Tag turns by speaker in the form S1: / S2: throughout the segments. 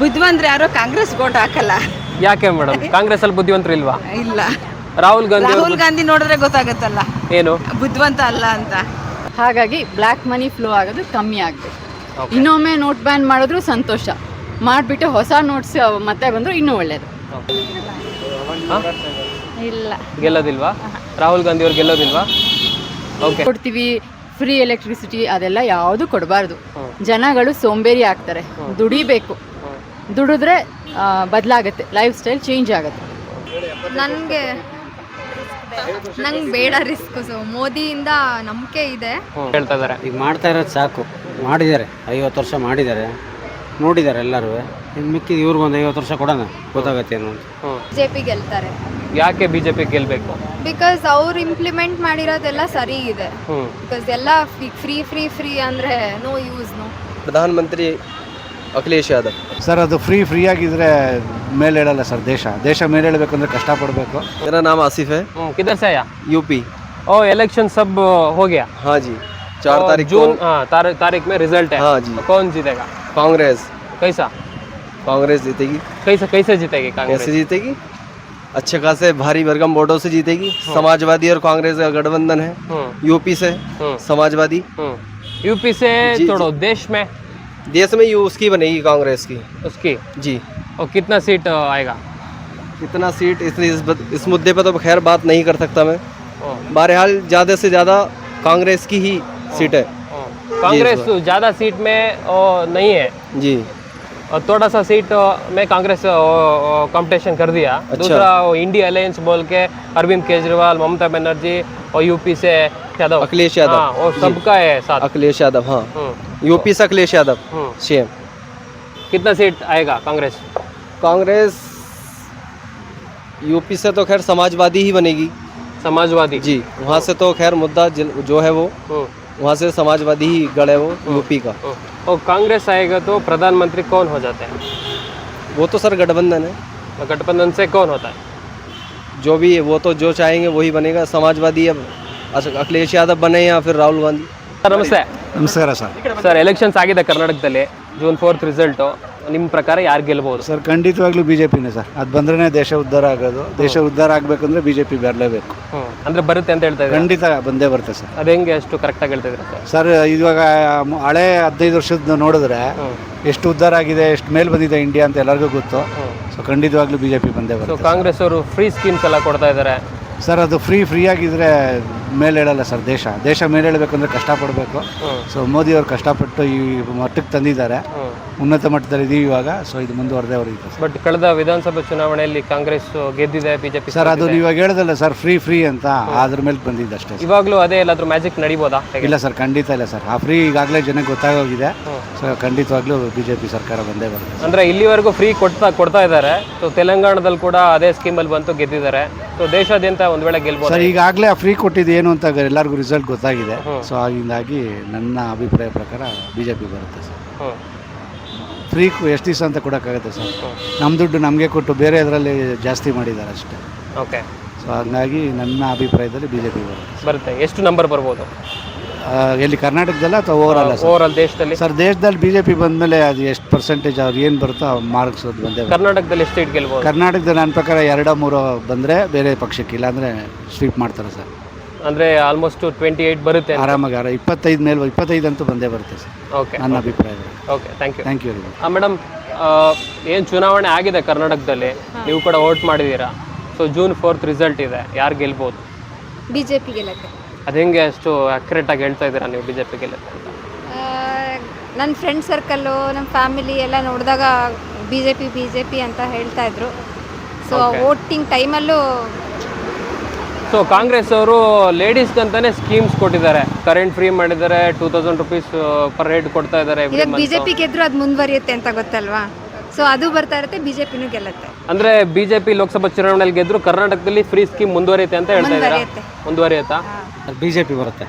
S1: ಬುದ್ಧಿವಂತರು ಯಾರೋ ಕಾಂಗ್ರೆಸ್ ಓಟ್ ಹಾಕಲ್ಲ.
S2: ಯಾಕೆ ಮೇಡಮ್? ಕಾಂಗ್ರೆಸ್ ಅಲ್ಲಿ ಬುದ್ಧಿವಂತರು ಇಲ್ವಾ?
S1: ಇಲ್ಲ,
S2: ರಾಹುಲ್
S1: ಗಾಂಧಿ ನೋಡಿದ್ರೆ ಗೊತ್ತಾಗತ್ತಲ್ಲ
S2: ಏನು
S1: ಬುದ್ಧಿವಂತ ಅಲ್ಲ ಅಂತ.
S3: ಹಾಗಾಗಿ ಬ್ಲ್ಯಾಕ್ ಮನಿ ಫ್ಲೋ ಆಗೋದು ಕಮ್ಮಿ ಆಗಬೇಕು. ಇನ್ನೊಮ್ಮೆ ನೋಟ್ ಬ್ಯಾನ್ ಮಾಡಿದ್ರು ಸಂತೋಷ, ಮಾಡಿಬಿಟ್ಟು ಹೊಸ ನೋಟ್ಸ್ ಮತ್ತೆ ಬಂದರೂ ಇನ್ನೂ ಒಳ್ಳೆಯದು.
S1: ಇಲ್ಲ,
S2: ಗೆಲ್ಲೋದಿಲ್ವಾ? ರಾಹುಲ್ ಗಾಂಧಿ ಅವ್ರು ಗೆಲ್ಲೋದಿಲ್ವಾ? ಓಕೆ,
S3: ಕೊಡ್ತೀವಿ ಫ್ರೀ ಎಲೆಕ್ಟ್ರಿಸಿಟಿ, ಅದೆಲ್ಲ ಯಾವುದು ಕೊಡಬಾರ್ದು. ಜನಗಳು ಸೋಂಬೇರಿ ಆಗ್ತಾರೆ. ದುಡಿಬೇಕು, ದುಡಿದ್ರೆ ಬದಲಾಗುತ್ತೆ, ಲೈಫ್ ಸ್ಟೈಲ್ ಚೇಂಜ್ ಆಗುತ್ತೆ.
S4: ನಂಗೆ ಬೇಡ ರಿಸ್ಕ್. ಸೊ ಮೋದಿಯಿಂದ ನಂಬಿಕೆ ಇದೆ.
S2: ಹೇಳ್ತಾ ಇದಾರೆ
S5: ಈಗ ಮಾಡ್ತಾ ಇರೋದು ಸಾಕು. ಮಾಡಿದ್ದಾರೆ, 50 ವರ್ಷ ಮಾಡಿದ್ದಾರೆ, ನೋಡಿದ್ದಾರೆ ಎಲ್ಲರೂ. ಇನ್ನು ಮಿಕ್ಕಿದ ಇವ್ರಿಗೊಂದು 50 ವರ್ಷ ಕೊಡೋಣ, ಗೊತ್ತಾಗತ್ತೆ ಏನು ಅಂತ.
S4: ಬಿಜೆಪಿ ಗೆಲ್ತಾರೆ.
S2: ಯಾಕೆ ಬಿಜೆಪಿ ಗೆಲ್ಬೇಕು?
S4: ಬಿಕಾಸ್ ಅವ್ರು ಇಂಪ್ಲಿಮೆಂಟ್ ಮಾಡಿರೋದೆಲ್ಲ ಸರಿ ಇದೆ. ಬಿಕಾಸ್ ಎಲ್ಲ ಫ್ರೀ ಫ್ರೀ ಫ್ರೀ ಅಂದರೆ ನೋ ಯೂಸ್. ನೋ
S6: ಪ್ರಧಾನಮಂತ್ರಿ ಅಖಿಲೇಶ್ ಯಾದವ್
S7: ಸರ್. ಅದು ಫ್ರೀ ಆಗಿದ್ರೆ ಮೇಲೆ ಹೇಳಲ್ಲ ಸರ್. ದೇಶ ಮೇಲೆ ಹೇಳಬೇಕಂದ್ರೆ ಕಷ್ಟಪಡಬೇಕು.
S6: मेरा नाम आसिफ है।
S2: किधर से आया?
S6: यूपी।
S2: ओ इलेक्शन सब हो गया?
S6: हाँ जी, 4 तारीख
S2: जून तारीख में रिजल्ट है।
S6: हाँ जी।
S2: कौन जीतेगा?
S6: कांग्रेस।
S2: कैसा?
S6: कांग्रेस जीतेगी।
S2: कैसे जीतेगी कांग्रेस?
S6: कैसे जीतेगी? अच्छे खासे भारी भरकम वोटों से जीतेगी। समाजवादी और कांग्रेस का गठबंधन है। यूपी से समाजवादी।
S2: यूपी से छोड़ो, देश में
S6: उसकी बनेगी, कांग्रेस की।
S2: उसकी
S6: जी।
S2: और कितना सीट आएगा?
S6: कितना सीट इस मुद्दे पर तो खैर बात नहीं कर सकता मैं। बहरहाल ज़्यादा से ज़्यादा कांग्रेस की ही सीट है।
S2: कांग्रेस ज़्यादा सीट में नहीं है
S6: जी।
S2: और थोड़ा सा सीट में कांग्रेस कंपटीशन कर दिया।
S6: अच्छा।
S2: दूसरा इंडिया अलायंस बोल के अरविंद केजरीवाल, ममता बनर्जी और यूपी से
S6: अखिलेश यादव।
S2: हाँ, और सबका है साथ।
S6: अखिलेश यादव, हाँ। यूपी से अखिलेश यादव सीएम।
S2: कितना सीट आएगा कांग्रेस?
S6: कांग्रेस यूपी से तो खैर समाजवादी ही बनेगी।
S2: समाजवादी
S6: जी, वहाँ से तो खैर मुद्दा जो है वो वहाँ से समाजवादी ही गढ़ है वो यूपी का।
S2: और कांग्रेस आएगा तो प्रधानमंत्री कौन हो जाते हैं?
S6: वो तो सर गठबंधन है।
S2: गठबंधन से कौन होता है?
S6: जो भी है वो तो जो चाहेंगे वही बनेगा। समाजवादी अब अखिलेश यादव बने या फिर राहुल गांधी।
S2: ಸರ್ ನಮಸ್ತೆ.
S7: ನಮಸ್ಕಾರ ಸರ್.
S2: ಸರ್ ಎಲೆಕ್ಷನ್ಸ್ ಆಗಿದೆ ಕರ್ನಾಟಕದಲ್ಲಿ, June 4 ರಿಸಲ್ಟು. ನಿಮ್ಮ ಪ್ರಕಾರ ಯಾರು ಗೆಲ್ಬೋದು?
S7: ಸರ್ ಖಂಡಿತವಾಗ್ಲೂ ಬಿಜೆಪಿನೇ ಸರ್. ಅದು ಬಂದ್ರೆ ದೇಶ ಉದ್ಧಾರ ಆಗೋದು. ದೇಶ ಉದ್ಧಾರ ಆಗಬೇಕಂದ್ರೆ ಬಿಜೆಪಿ ಬರಲೇಬೇಕು.
S2: ಅಂದ್ರೆ ಬರುತ್ತೆ ಅಂತ ಹೇಳ್ತಾ ಇದ್ದಾರೆ.
S7: ಖಂಡಿತ ಬಂದೇ ಬರುತ್ತೆ ಸರ್.
S2: ಅದು ಹೆಂಗೆ ಅಷ್ಟು ಕರೆಕ್ಟಾಗಿ ಹೇಳ್ತಾ ಇದ್ದಾರೆ
S7: ಸರ್? ಇವಾಗ ಹಳೆ 15 ವರ್ಷದ ನೋಡಿದ್ರೆ ಎಷ್ಟು ಉದ್ಧಾರ ಆಗಿದೆ, ಎಷ್ಟು ಮೇಲೆ ಬಂದಿದೆ ಇಂಡಿಯಾ ಅಂತ ಎಲ್ಲರಿಗೂ ಗೊತ್ತು. ಸೊ ಖಂಡಿತವಾಗ್ಲೂ ಬಿಜೆಪಿ ಬಂದೇ ಬರುತ್ತೆ.
S2: ಕಾಂಗ್ರೆಸ್ ಅವರು ಫ್ರೀ ಸ್ಕೀಮ್ಸ್ ಎಲ್ಲ ಕೊಡ್ತಾ ಇದ್ದಾರೆ
S7: ಸರ್. ಅದು ಫ್ರೀ ಆಗಿದ್ರೆ ಮೇಲೆ ಹೇಳಲ್ಲ ಸರ್. ದೇಶ ಮೇಲೆ ಹೇಳಬೇಕಂದ್ರೆ ಕಷ್ಟಪಡಬೇಕು. ಸೊ ಮೋದಿ ಅವರು ಕಷ್ಟಪಟ್ಟು ಈ ಮಟ್ಟಕ್ಕೆ ತಂದಿದ್ದಾರೆ. ಉನ್ನತ ಮಟ್ಟದಲ್ಲಿ ಇದೀವಿ ಇವಾಗ. ಸೊ ಇದು ಮುಂದುವರೆದೇ ಅವ್ರಿಗೆ.
S2: ಬಟ್ ಕಳೆದ ವಿಧಾನಸಭಾ ಚುನಾವಣೆಯಲ್ಲಿ ಕಾಂಗ್ರೆಸ್ ಗೆದ್ದಿದೆ, ಬಿಜೆಪಿ
S7: ಸರ್ ಅದು ಇವಾಗ ಹೇಳಿದಲ್ಲ ಸರ್, ಫ್ರೀ ಅಂತ ಅದ್ರ ಮೇಲೆ ಬಂದಿದ್ದು ಅಷ್ಟೇ.
S2: ಇವಾಗಲೂ ಅದೇ ಎಲ್ಲಾದ್ರೂ ಮ್ಯಾಜಿಕ್ ನಡೀಬೋದಾ?
S7: ಇಲ್ಲ ಸರ್, ಖಂಡಿತ ಇಲ್ಲ ಸರ್. ಆ ಫ್ರೀ ಈಗಾಗಲೇ ಜನಕ್ಕೆ ಗೊತ್ತಾಗೋಗಿದೆ. ಸೊ ಖಂಡಿತವಾಗ್ಲೂ ಬಿಜೆಪಿ ಸರ್ಕಾರ ಬಂದೇ ಬರುತ್ತೆ.
S2: ಅಂದ್ರೆ ಇಲ್ಲಿವರೆಗೂ ಫ್ರೀ ಕೊಡ್ತಾ ಇದ್ದಾರೆ. ಸೊ ತೆಲಂಗಾಣದಲ್ಲಿ ಕೂಡ ಅದೇ ಸ್ಕೀಮಲ್ಲಿ ಬಂತು, ಗೆದ್ದಿದ್ದಾರೆ. ಸೊ ದೇಶಾದ್ಯಂತ ಒಂದ್ ವೇಳೆ ಗೆಲ್ಬೋದು
S7: ಸರ್. ಈಗಾಗಲೇ ಆ ಫ್ರೀ ಕೊಟ್ಟಿದ್ದು ಏನು ಅಂತ ಎಲ್ಲರಿಗೂ ರಿಸಲ್ಟ್ ಗೊತ್ತಾಗಿದೆ. ಸೊ ಹಾಗಾಗಿ ನನ್ನ ಅಭಿಪ್ರಾಯ ಪ್ರಕಾರ ಬಿಜೆಪಿ ಬರುತ್ತೆ ಸರ್. ಫ್ರೀ ಎಷ್ಟು ದಿವಸ ಅಂತ ಕೊಡೋಕ್ಕಾಗುತ್ತೆ ಸರ್? ನಮ್ಮ ದುಡ್ಡು ನಮಗೆ ಕೊಟ್ಟು ಬೇರೆ ಇದರಲ್ಲಿ ಜಾಸ್ತಿ ಮಾಡಿದ್ದಾರೆ ಅಷ್ಟೇ.
S2: ಓಕೆ.
S7: ಸೊ ಹಾಗಾಗಿ ನನ್ನ ಅಭಿಪ್ರಾಯದಲ್ಲಿ ಬಿಜೆಪಿ
S2: ಬರುತ್ತೆ. ಎಷ್ಟು ನಂಬರ್ ಬರ್ಬೋದು?
S7: ಎಲ್ಲಿ ಕರ್ನಾಟಕದಲ್ಲ ಅಥವಾ
S2: ಓವರಾಲ್ ದೇಶದಲ್ಲಿ?
S7: ಸರ್ ದೇಶದಲ್ಲಿ ಬಿಜೆಪಿ ಬಂದಮೇಲೆ ಅದು ಎಷ್ಟು ಪರ್ಸೆಂಟೇಜ್ ಅವ್ರು ಏನು ಬರುತ್ತೋ ಮಾರ್ಕ್ಸ್ ಬಂದೇ.
S2: ಕರ್ನಾಟಕದಲ್ಲಿ ಎಷ್ಟು ಸೀಟ್ ಗೆಲ್ಬೋದು?
S7: ಕರ್ನಾಟಕದಲ್ಲಿ ನನ್ನ ಪ್ರಕಾರ 2-3 ಬಂದರೆ ಬೇರೆ ಪಕ್ಷಕ್ಕೆ, ಇಲ್ಲಾಂದರೆ ಸ್ವೀಪ್ ಮಾಡ್ತಾರೆ ಸರ್.
S2: ಅಂದರೆ ಆಲ್ಮೋಸ್ಟ್ 28 ಬರುತ್ತೆ
S7: ಆರಾಮಾಗಿ. 25 ಅಂತೂ ಬಂದೇ ಬರುತ್ತೆ ಸರ್.
S2: ಓಕೆ,
S7: ನನ್ನ ಅಭಿಪ್ರಾಯ.
S2: Okay, thank you.
S7: ಮೇಡಮ್,
S2: ಏನು ಚುನಾವಣೆ ಆಗಿದೆ ಕರ್ನಾಟಕದಲ್ಲಿ, ನೀವು ಕೂಡ ವೋಟ್ ಮಾಡಿದ್ದೀರಾ. ಸೊ June 4 ರಿಸಲ್ಟ್ ಇದೆ, ಯಾರು ಗೆಲ್ಬೋದು?
S4: ಬಿಜೆಪಿ ಗೆಲ್ಲಕ್ಕೆ.
S2: ಅದು ಹೆಂಗೆ ಅಷ್ಟು ಅಕ್ಯುರೇಟಾಗಿ ಹೇಳ್ತಾ ಇದ್ದೀರಾ ನೀವು ಬಿಜೆಪಿ ಗೆಲ್ಲುತ್ತೆ ಅಂತ?
S4: ನನ್ನ ಫ್ರೆಂಡ್ ಸರ್ಕಲ್ಲು, ನಮ್ಮ ಫ್ಯಾಮಿಲಿ ಎಲ್ಲ ನೋಡಿದಾಗ ಬಿಜೆಪಿ ಅಂತ ಹೇಳ್ತಾ ಇದ್ರು. ಸೊ ವೋಟಿಂಗ್ ಟೈಮಲ್ಲೂ
S2: ಸೊ ಕಾಂಗ್ರೆಸ್ ಅವರು ಲೇಡೀಸ್ಗಂತಾನೆ ಸ್ಕೀಮ್ಸ್ ಕೊಟ್ಟಿದ್ದಾರೆ. ಕರೆಂಟ್ ಫ್ರೀ ಮಾಡಿದ್ದಾರೆ, 2000 ರುಪೀಸ್ ಪರ್ ಹೆಡ್ ಕೊಡ್ತಾ ಇದ್ದಾರೆ.
S4: ಇವಾಗ ಬಿಜೆಪಿ ಗೆದ್ರು ಅದು ಮುಂದುವರಿಯುತ್ತೆ ಅಂತ ಗೊತ್ತಲ್ವಾ? ಸೊ ಅದು ಬರ್ತಾ ಇರುತ್ತೆ, ಬಿಜೆಪಿನೂ ಗೆಲ್ಲುತ್ತೆ.
S2: ಅಂದ್ರೆ ಬಿಜೆಪಿ ಲೋಕಸಭಾ ಚುನಾವಣೆಯಲ್ಲಿ ಗೆದ್ರು ಕರ್ನಾಟಕದಲ್ಲಿ ಫ್ರೀ ಸ್ಕೀಮ್ ಮುಂದುವರಿಯುತ್ತೆ ಅಂತ ಹೇಳ್ತಾ ಇದ್ದಾರೆ. ಮುಂದುವರಿಯುತ್ತಾ?
S5: ಬಿಜೆಪಿ ಬರುತ್ತೆ.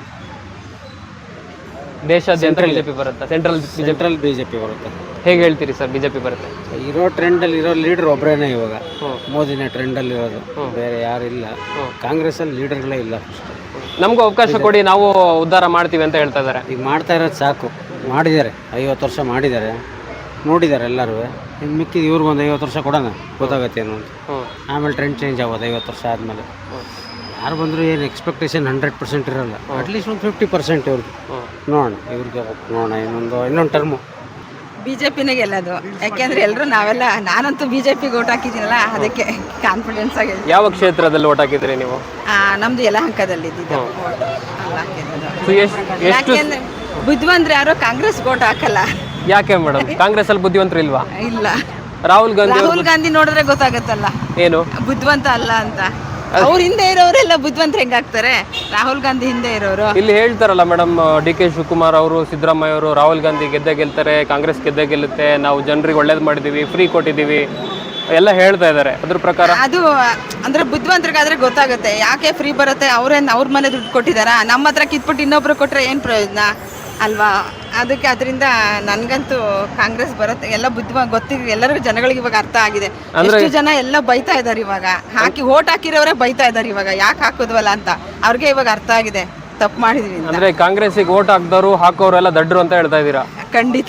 S2: ದೇಶಾದ್ಯಂತ ಬಿಜೆಪಿ ಬರುತ್ತೆ. ಸೆಂಟ್ರಲ್
S5: ಬಿಜೆಪಿ ಬರುತ್ತೆ.
S2: ಹೇಗೆ ಹೇಳ್ತೀರಿ ಸರ್ ಬಿಜೆಪಿ ಬರುತ್ತೆ?
S5: ಇರೋ ಟ್ರೆಂಡಲ್ಲಿ ಇರೋ ಲೀಡರ್ ಒಬ್ಬರೇನೆ ಇವಾಗ. ಮೋದಿನೇ ಟ್ರೆಂಡಲ್ಲಿ ಇರೋದು, ಬೇರೆ ಯಾರಿಲ್ಲ. ಕಾಂಗ್ರೆಸ್ಸಲ್ಲಿ ಲೀಡರ್ಗಳೇ ಇಲ್ಲ.
S2: ನಮಗೂ ಅವಕಾಶ ಕೊಡಿ, ನಾವು ಉದ್ಧಾರ ಮಾಡ್ತೀವಿ ಅಂತ ಹೇಳ್ತಾ ಇದ್ದಾರೆ.
S5: ಈಗ ಮಾಡ್ತಾ ಇರೋದು ಸಾಕು. ಮಾಡಿದ್ದಾರೆ, 50 ವರ್ಷ ಮಾಡಿದ್ದಾರೆ, ನೋಡಿದ್ದಾರೆ ಎಲ್ಲರೂ. ಇನ್ನು ಮಿಕ್ಕಿದ ಇವ್ರಿಗೊಂದು 50 ವರ್ಷ ಕೊಡೋಣ, ಗೊತ್ತಾಗತ್ತೆ ಏನು ಅಂತ. ಆಮೇಲೆ ಟ್ರೆಂಡ್ ಚೇಂಜ್ ಆಗೋದು 50 ವರ್ಷ ಆದಮೇಲೆ. ಯಾರು ಬಂದರೂ ಏನು ಎಕ್ಸ್ಪೆಕ್ಟೇಷನ್ 100% ಇರೋಲ್ಲ. ಅಟ್ಲೀಸ್ಟ್ ಒಂದು 50% ಇವ್ರಿಗೆ ನೋಡೋಣ. ಇವ್ರಿಗೆ ನೋಡೋಣ ಇನ್ನೊಂದು ಟರ್ಮು
S1: ಬಿಜೆಪಿನೇ ಗೆಲ್ಲೋದು. ಯಾಕೆಂದ್ರೆ ಎಲ್ಲರೂ ನಾನಂತೂ ಬಿಜೆಪಿಗೆ ಓಟ್ ಹಾಕಿದ್ದೀನಲ್ಲ, ಅದಕ್ಕೆ ಕಾನ್ಫಿಡೆನ್ಸ್ ಆಗಿ.
S2: ಯಾವ ಕ್ಷೇತ್ರದಲ್ಲಿ ಓಟ್ ಹಾಕಿದ್ರಿ ನೀವು?
S1: ನಮ್ದು ಯಲಹಂಕದಲ್ಲಿ ಇದ್ದಿದ್ದು vote ಅಲ್ಲ ಹಾಕಿದ್ದು.
S2: ಸೊ ಎಷ್ಟು
S1: ಯಾಕೆಂದ್ರೆ ಬುದ್ಧಿವಂತರು ಯಾರೋ ಕಾಂಗ್ರೆಸ್ ಓಟ್ ಹಾಕಲ್ಲ.
S2: ಯಾಕೆ ಮೇಡಮ್, ಕಾಂಗ್ರೆಸ್ ಅಲ್ಲಿ ಬುದ್ಧಿವಂತರು ಇಲ್ವಾ?
S1: ಇಲ್ಲ,
S2: ರಾಹುಲ್ ಗಾಂಧಿ
S1: ರಾಹುಲ್ ಗಾಂಧಿ ನೋಡಿದ್ರೆ ಗೊತ್ತಾಗತ್ತಲ್ಲ
S2: ಏನು
S1: ಬುದ್ಧಿವಂತ ಅಲ್ಲ ಅಂತ. ಅವ್ರ ಹಿಂದೆ ಇರೋರೆಲ್ಲ ಬುದ್ಧಿವಂತರು ಹೆಂಗಾಗ್ತಾರೆ? ರಾಹುಲ್ ಗಾಂಧಿ ಹಿಂದೆ ಇರೋರು.
S2: ಇಲ್ಲಿ ಹೇಳ್ತಾರಲ್ಲ ಮೇಡಮ್, DK ಶಿವಕುಮಾರ್ ಅವರು, ಸಿದ್ದರಾಮಯ್ಯ ಅವರು, ರಾಹುಲ್ ಗಾಂಧಿ ಗೆಲ್ತಾರೆ, ಕಾಂಗ್ರೆಸ್ ಗೆಲ್ಲುತ್ತೆ, ನಾವು ಜನರಿಗೆ ಒಳ್ಳೇದು ಮಾಡಿದೀವಿ, ಫ್ರೀ ಕೊಟ್ಟಿದ್ದೀವಿ ಎಲ್ಲ ಹೇಳ್ತಾ ಇದ್ದಾರೆ. ಅದ್ರ ಪ್ರಕಾರ
S1: ಅದು ಅಂದ್ರೆ ಬುದ್ಧಿವಂತರಿಗಾದ್ರೆ ಗೊತ್ತಾಗುತ್ತೆ ಯಾಕೆ ಫ್ರೀ ಬರುತ್ತೆ. ಅವ್ರ ಮನೆ ದುಡ್ಡು ಕೊಟ್ಟಿದಾರ, ನಮ್ಮ ಹತ್ರ ಕಿತ್ಬಿಟ್ಟು ಇನ್ನೊಬ್ರು ಕೊಟ್ರೆ ಏನು ಪ್ರಯೋಜನ ಅಲ್ವಾ? ಅದಕ್ಕೆ ಅದರಿಂದ ನನಗಂತೂ ಕಾಂಗ್ರೆಸ್ ಬರುತ್ತೆ. ಎಲ್ಲ ಗೊತ್ತಿದೆ ಎಲ್ಲರಿಗೂ, ಜನಗಳಿಗೆ ಇವಾಗ ಅರ್ಥ ಆಗಿದೆ. ಎಷ್ಟು ಜನ ಎಲ್ಲ ಬೈತಾ ಇದಾರೆ ಇವಾಗ, ಓಟ್ ಹಾಕಿರೋರೇ ಬೈತಾ ಇದಾರೆ ಇವಾಗ, ಯಾಕೆ ಹಾಕೋದ್ವಲ್ಲ ಅಂತ. ಅವ್ರಿಗೆ ಇವಾಗ ಅರ್ಥ ಆಗಿದೆ ತಪ್ಪು ಮಾಡಿದ್ವಿ ಅಂತ.
S2: ಅಂದ್ರೆ ಕಾಂಗ್ರೆಸ್ಸಿಗೆ ಓಟ್ ಹಾಕ್ದವರು ಹಾಕೋರೆಲ್ಲ ದಡ್ರು ಅಂತ ಹೇಳ್ತಾ ಇದ್ದೀರಾ?
S1: ಖಂಡಿತ.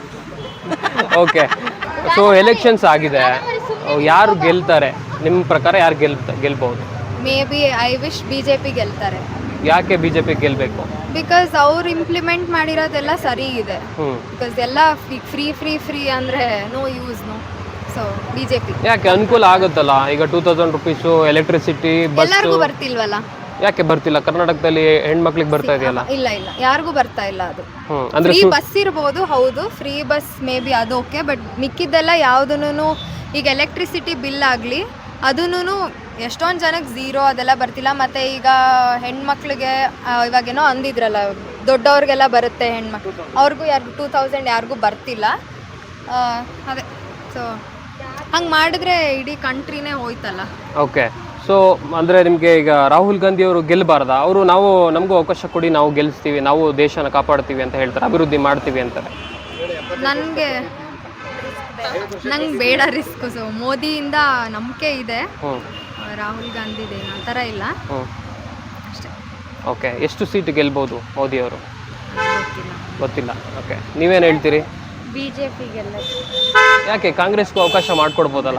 S2: ಓಕೆ, ಸೊ ಎಲೆಕ್ಷನ್ಸ್ ಆಗಿದೆ, ಯಾರು ಗೆಲ್ತಾರೆ ನಿಮ್ಮ ಪ್ರಕಾರ? ಯಾರು ಗೆಲ್ಬಹುದು?
S4: May be I wish BJP ಗೆಲ್ತಾರೆ.
S2: ಯಾಕೆ ಬಿಜೆಪಿ ಗೆಲ್ಬೇಕು?
S4: ಬಿಕಾಸ್ ಅವ್ರು ಇಂಪ್ಲಿಮೆಂಟ್ ಮಾಡಿರೋದೆಲ್ಲ ಸರಿ ಇದೆ. ಬಿಕಾಸ್ ಎಲ್ಲ ಫ್ರೀ ಅಂದರೆ no use no. So BJP
S2: ಯಾಕೆ ಅನುಕೂಲ ಆಗುತ್ತಲ್ಲ? ಈಗ 2000 ರುಪೀಸು ಎಲೆಕ್ಟ್ರಿಸಿಟಿ, ಬಸ್
S4: ಎಲ್ಲರಿಗೂ ಬರ್ತಿಲ್ವಲ್ಲ?
S2: ಯಾಕೆ ಬರ್ತಿಲ್ಲ? ಕರ್ನಾಟಕದಲ್ಲಿ ಹೆಣ್ಮಕ್ಳಿಗೆ ಬರ್ತಾ ಇದೆಯಲ್ಲ?
S4: ಇಲ್ಲ ಯಾರಿಗೂ ಬರ್ತಾ ಇಲ್ಲ ಅದು.
S2: ಅಂದ್ರೆ
S4: ಫ್ರೀ ಬಸ್ ಇರ್ಬೋದು, ಹೌದು ಫ್ರೀ ಬಸ್ ಮೇ ಬಿ ಅದು ಓಕೆ. ಬಟ್ ಮಿಕ್ಕಿದ್ದೆಲ್ಲ ಯಾವುದೂ ಈಗ ಎಲೆಕ್ಟ್ರಿಸಿಟಿ ಬಿಲ್ ಆಗಲಿ ಅದೂ ಎಷ್ಟೊಂದು ಜನಕ್ಕೆ ಝೀರೋ ಅದೆಲ್ಲ ಬರ್ತಿಲ್ಲ. ಮತ್ತು ಈಗ ಹೆಣ್ಮಕ್ಳಿಗೆ ಇವಾಗೇನೋ ಅಂದಿದ್ರಲ್ಲ, ದೊಡ್ಡವ್ರಿಗೆಲ್ಲ ಬರುತ್ತೆ ಹೆಣ್ಮಕ್ಳು, ಅವ್ರಿಗೂ 2000 ಯಾರಿಗೂ ಬರ್ತಿಲ್ಲ. ಅದೇ ಸೊ ಹಂಗೆ ಮಾಡಿದ್ರೆ ಇಡೀ ಕಂಟ್ರಿನೇ ಹೋಯ್ತಲ್ಲ.
S2: ಓಕೆ, ಸೊ ಅಂದರೆ ನಿಮಗೆ ಈಗ ರಾಹುಲ್ ಗಾಂಧಿ ಅವರು ಗೆಲ್ಲಬಾರ್ದಾ? ಅವರು ನಮಗೂ ಅವಕಾಶ ಕೊಡಿ, ನಾವು ಗೆಲ್ಲಿಸ್ತೀವಿ, ನಾವು ದೇಶನ ಕಾಪಾಡ್ತೀವಿ ಅಂತ ಹೇಳ್ತಾರೆ, ಅಭಿವೃದ್ಧಿ ಮಾಡ್ತೀವಿ ಅಂತಾರೆ.
S4: ನಂಗೆ ಬೇಡ ರಿಸ್ಕ್. ಸೊ ಮೋದಿಯಿಂದ ನಂಬಿಕೆ ಇದೆ, ರಾಹುಲ್ ಗಾಂಧಿದೇನು ಆ ಥರ ಇಲ್ಲ ಅಷ್ಟೇ.
S2: ಓಕೆ, ಎಷ್ಟು ಸೀಟ್ ಗೆಲ್ಬೋದು ಮೋದಿ ಅವರು? ಗೊತ್ತಿಲ್ಲ. ಓಕೆ, ನೀವೇನು ಹೇಳ್ತೀರಿ?
S4: BJP ಗೆಲ್ಲ.
S2: ಯಾಕೆ ಕಾಂಗ್ರೆಸ್ಗೂ ಅವಕಾಶ ಮಾಡಿಕೊಡ್ಬೋದಲ್ಲ?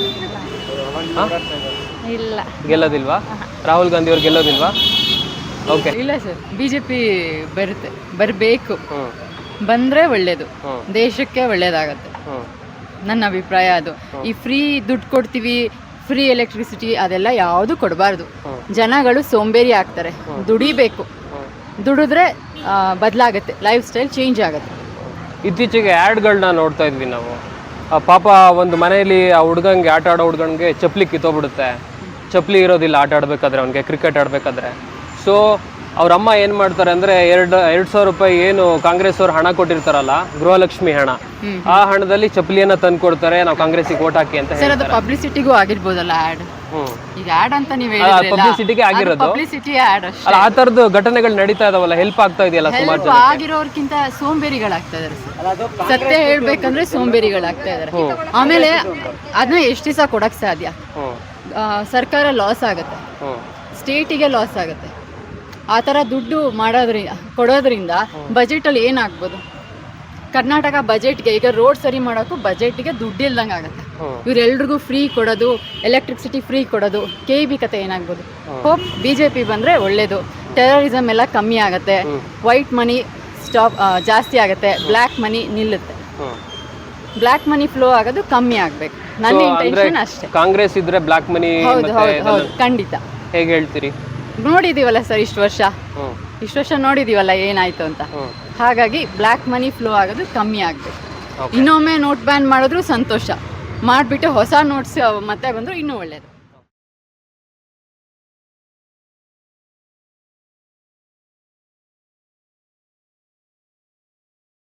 S4: ಇಲ್ಲ,
S2: ಗೆಲ್ಲೋದಿಲ್ವಾ? ರಾಹುಲ್ ಗಾಂಧಿ ಅವ್ರು ಗೆಲ್ಲೋದಿಲ್ವಾ? ಓಕೆ,
S3: ಇಲ್ಲ ಸರ್, BJP ಬರಬೇಕು. ಬಂದರೆ ಒಳ್ಳೇದು, ದೇಶಕ್ಕೆ ಒಳ್ಳೇದಾಗತ್ತೆ. ನನ್ನ ಅಭಿಪ್ರಾಯ ಅದು. ಈ ಫ್ರೀ ದುಡ್ಡು ಕೊಡ್ತೀವಿ, ಫ್ರೀ ಎಲೆಕ್ಟ್ರಿಸಿಟಿ ಅದೆಲ್ಲ ಯಾವುದು ಕೊಡಬಾರ್ದು. ಜನಗಳು ಸೋಂಬೇರಿ ಆಗ್ತಾರೆ. ದುಡಿಬೇಕು, ದುಡಿದ್ರೆ ಬದಲಾಗುತ್ತೆ, ಲೈಫ್ ಸ್ಟೈಲ್ ಚೇಂಜ್ ಆಗುತ್ತೆ.
S2: ಇತ್ತೀಚೆಗೆ ಆ್ಯಡ್ಗಳನ್ನ ನೋಡ್ತಾ ಇದ್ವಿ ನಾವು. ಪಾಪ ಒಂದು ಮನೆಯಲ್ಲಿ ಆ ಹುಡುಗಂಗೆ ಆಟ ಆಡೋ ಹುಡುಗನಿಗೆ ಚಪ್ಪಲಿ ಕಿತ್ತೋಗ್ಬಿಡುತ್ತೆ. ಚಪ್ಪಲಿ ಇರೋದಿಲ್ಲ ಆಟ ಆಡಬೇಕಾದ್ರೆ, ಅವನಿಗೆ ಕ್ರಿಕೆಟ್ ಆಡಬೇಕಾದ್ರೆ. ಸೊ ಅವ್ರ ಅಮ್ಮ ಏನು ಮಾಡ್ತಾರೆ ಅಂದರೆ 2,000 ರೂಪಾಯಿ ಏನು ಕಾಂಗ್ರೆಸ್ ಅವ್ರು ಹಣ ಕೊಟ್ಟಿರ್ತಾರಲ್ಲ, ಗೃಹಲಕ್ಷ್ಮಿ ಹಣ, ಆ ಹಣದಲ್ಲಿ ಚಪ್ಪಲಿಯನ್ನು ತಂದು ಕೊಡ್ತಾರೆ, ನಾವು ಕಾಂಗ್ರೆಸ್ಸಿಗೆ ಓಟ್ ಹಾಕಿ ಅಂತ.
S3: ಸರ್, ಅದು ಪಬ್ಲಿಸಿಟಿಗೂ ಆಗಿರ್ಬೋದಲ್ಲ ಆ್ಯಡ್. ಈಗ ಆ್ಯಡ್ ಅಂತ ನೀವು
S2: ಪಬ್ಲಿಸಿಟಿಗೆ ಆಗಿರೋದು,
S3: ಪಬ್ಲಿಸಿಟಿ ಆ್ಯಡ್ ಅಷ್ಟೇ.
S2: ಆ ಥರದ್ದು ಘಟನೆಗಳು ನಡೀತಾ ಇದಾವಲ್ಲ, ಹೆಲ್ಪ್ ಆಗ್ತಾ ಇದೆಯಲ್ಲ ಸುಮಾರು ಜನ.
S3: ಆಗಿರೋರ್ಕಿಂತ ಸೋಂಬೇರಿಗಳಾಗ್ತಾ ಇದಾರೆ ಸರ್. ಸತ್ಯ ಹೇಳ್ಬೇಕಂದ್ರೆ ಸೋಂಬೇರಿಗಳಾಗ್ತಾ ಇದಾರೆ. ಆಮೇಲೆ ಅದನ್ನ ಎಷ್ಟು ದಿವಸ ಕೊಡಕ್ ಸಾಧ್ಯ? ಸರ್ಕಾರ ಲಾಸ್ ಆಗುತ್ತೆ, ಸ್ಟೇಟಿಗೆ ಲಾಸ್ ಆಗುತ್ತೆ. ಆ ಥರ ದುಡ್ಡು ಕೊಡೋದ್ರಿಂದ ಬಜೆಟಲ್ಲಿ ಏನಾಗ್ಬೋದು? ಕರ್ನಾಟಕ ಬಜೆಟ್ಗೆ ಈಗ ರೋಡ್ ಸರಿ ಮಾಡೋಕ್ಕೂ ಬಜೆಟ್ಗೆ ದುಡ್ಡು ಇಲ್ದಂಗೆ ಆಗುತ್ತೆ. ಇವರೆಲ್ರಿಗೂ ಫ್ರೀ ಕೊಡೋದು, ಎಲೆಕ್ಟ್ರಿಸಿಟಿ ಫ್ರೀ ಕೊಡೋದು, KEB ಕತೆ ಏನಾಗ್ಬೋದು? ಹೋಪ್ BJP ಬಂದರೆ ಒಳ್ಳೇದು. ಟೆರರಿಸಮ್ ಎಲ್ಲ ಕಮ್ಮಿ ಆಗುತ್ತೆ, ವೈಟ್ ಮನಿ ಜಾಸ್ತಿ ಆಗುತ್ತೆ, ಬ್ಲ್ಯಾಕ್ ಮನಿ ನಿಲ್ಲುತ್ತೆ. ಬ್ಲ್ಯಾಕ್ ಮನಿ ಫ್ಲೋ ಆಗೋದು ಕಮ್ಮಿ ಆಗಬೇಕು, ನನ್ನ ಇಂಟೆನ್ಷನ್ ಅಷ್ಟೇ.
S2: ಕಾಂಗ್ರೆಸ್ ಇದ್ರೆ ಬ್ಲ್ಯಾಕ್ ಮನಿ
S3: ಹೌದು ಖಂಡಿತ.
S2: ಹೇಗೆ ಹೇಳ್ತೀರಿ?
S3: ನೋಡಿದೀವಲ್ಲ ಸರ್, ಇಷ್ಟು ವರ್ಷ ನೋಡಿದೀವಲ್ಲ ಏನಾಯ್ತು ಅಂತ. ಹಾಗಾಗಿ ಬ್ಲ್ಯಾಕ್ ಮನಿ ಫ್ಲೋ ಆಗೋದು ಕಮ್ಮಿ ಆಗಬೇಕು. ಇನ್ನೊಮ್ಮೆ ನೋಟ್ ಬ್ಯಾನ್ ಮಾಡಿದ್ರು ಸಂತೋಷ, ಮಾಡಿಬಿಟ್ಟು ಹೊಸ ನೋಟ್ಸ್ ಮತ್ತೆ ಬಂದರೂ ಇನ್ನೂ ಒಳ್ಳೆಯದು.